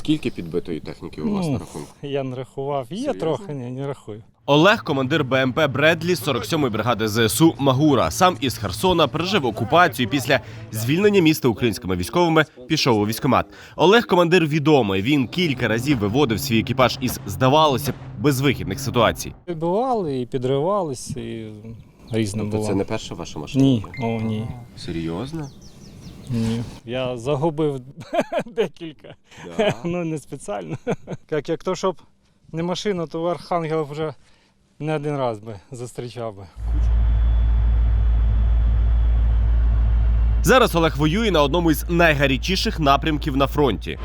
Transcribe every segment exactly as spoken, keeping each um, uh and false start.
Скільки підбитої техніки у вас Ну, на рахунку? Я не рахував. Є Серйозно? трохи, ні, не рахую. Олег – командир БМП «Бредлі» сорок сьомої бригади ЗСУ «Магура». Сам із Херсона пережив окупацію і після звільнення міста українськими військовими пішов у військкомат. Олег – командир відомий. Він кілька разів виводив свій екіпаж із, здавалося б, безвихідних ситуацій. Бували і підривались, і різне Тобто було. це не перша ваша машина? Ні, о, ні. Серйозно? Ні. Я загубив декілька. Да. Ну, не спеціально. Як, як то, щоб не машина, то Архангел вже не один раз би зустрічав би. Зараз Олег воює на одному із найгарячіших напрямків на фронті.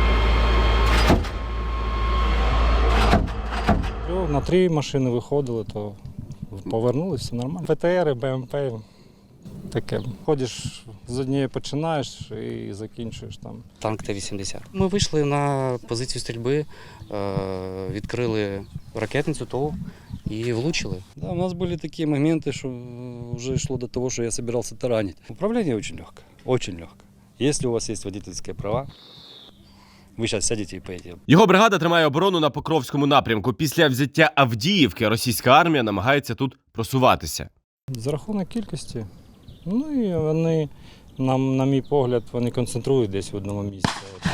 На три машини виходили, то повернулися, все нормально. ПТР, БМП, таке. Ходиш, з однієї починаєш і закінчуєш там. Танк Т вісімдесят. Ми вийшли на позицію стрільби, відкрили ракетницю ТОВ и влучили. Да, у нас были такие моменты, что уже шло до того, что я собирался таранить. Управление очень легкое, очень легкое. Если у вас есть водительские права, ви зараз сядете і поїдете. Його бригада тримає оборону на Покровському напрямку. Після взяття Авдіївки російська армія намагається тут просуватися. За рахунок кількості. Ну і вони, на, на мій погляд, вони концентрують десь в одному місці.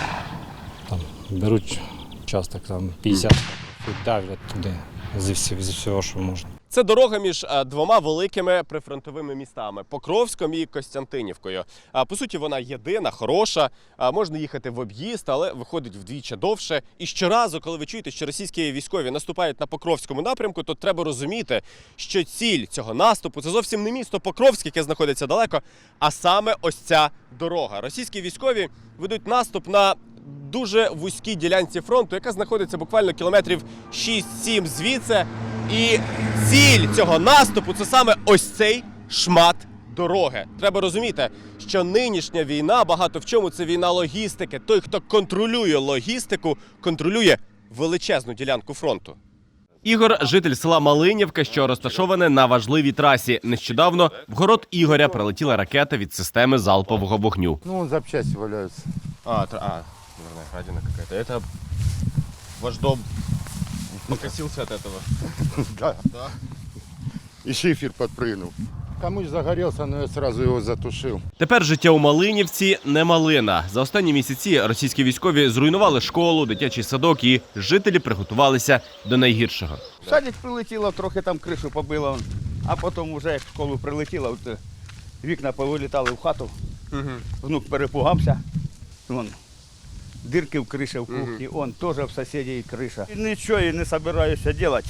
Там, беруть часто там п'ятдесят і давлять туди зі всього, зі всього, що можна. Це дорога між двома великими прифронтовими містами – Покровськом і Костянтинівкою. По суті, вона єдина, хороша, можна їхати в об'їзд, але виходить вдвічі довше. І щоразу, коли ви чуєте, що російські військові наступають на Покровському напрямку, то треба розуміти, що ціль цього наступу – це зовсім не місто Покровське, яке знаходиться далеко, а саме ось ця дорога. Російські військові ведуть наступ на дуже вузькій ділянці фронту, яка знаходиться буквально кілометрів шість-сім звідси. І ціль цього наступу – це саме ось цей шмат дороги. Треба розуміти, що нинішня війна багато в чому – це війна логістики. Той, хто контролює логістику, контролює величезну ділянку фронту. Ігор – житель села Малинівка, що розташоване на важливій трасі. Нещодавно в город Ігоря прилетіла ракета від системи залпового вогню. Ну, вон запчасти валяются. А, а, наверное, градина какая-то. Это ваш дом покосился от этого? Да. Да. И шифер подпрыгнул. Комусь загорелся, но я сразу его затушил. Тепер життя у Малинівці не малина. За останні місяці російські військові зруйнували школу, дитячий садок і жителі приготувалися до найгіршого. В садик прилетіло, трохи там кришу побило, а потім вже як в школу прилетіло, от вікна повилітали в хату, Угу. внук перепугався, вон, дирки в криші в кухні, он теж в сусідів криша. І нічого я не збираюся робити.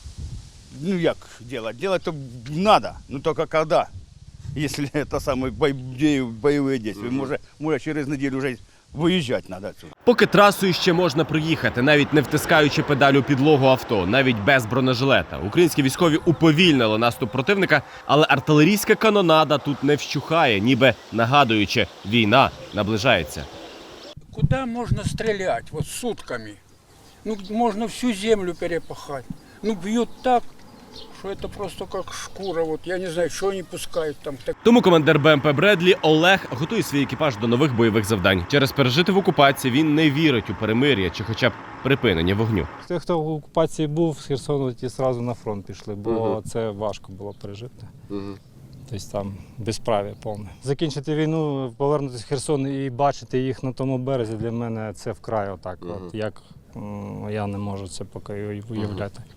Ну як робити? Делать то треба, ну тільки коли, якщо це саме бойові дії, може, може через неділю вже виїжджати треба отсюда. Поки трасою ще можна проїхати, навіть не втискаючи педаль у підлогу авто, навіть без бронежилета. Українські військові уповільнили наступ противника, але артилерійська канонада тут не вщухає, ніби нагадуючи, війна наближається. Куда можно стрелять? Вот сутками. Ну, можно всю землю перепахать. Ну, бьют так, что это просто как шкура. Вот я не знаю, что они пускают там. Тому командир БМП «Бредлі» Олег готує свій екіпаж до нових бойових завдань. Через пережити в окупації він не вірить у перемир'я чи хоча б припинення вогню. Ті, хто в окупації був, з Херсону ті одразу на фронт пішли, бо Угу. це важко було пережити. Угу. Тобто там безправ'я повне. Закінчити війну, повернутися в Херсон і бачити їх на тому березі, для мене це вкрай отак. Угу. От, як м, я не можу це поки уявляти. Угу.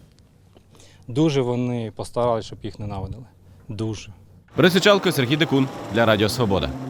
Дуже вони постаралися, щоб їх ненавидили. Дуже. Борис Ячалко, Сергій Декун для Радіо Свобода.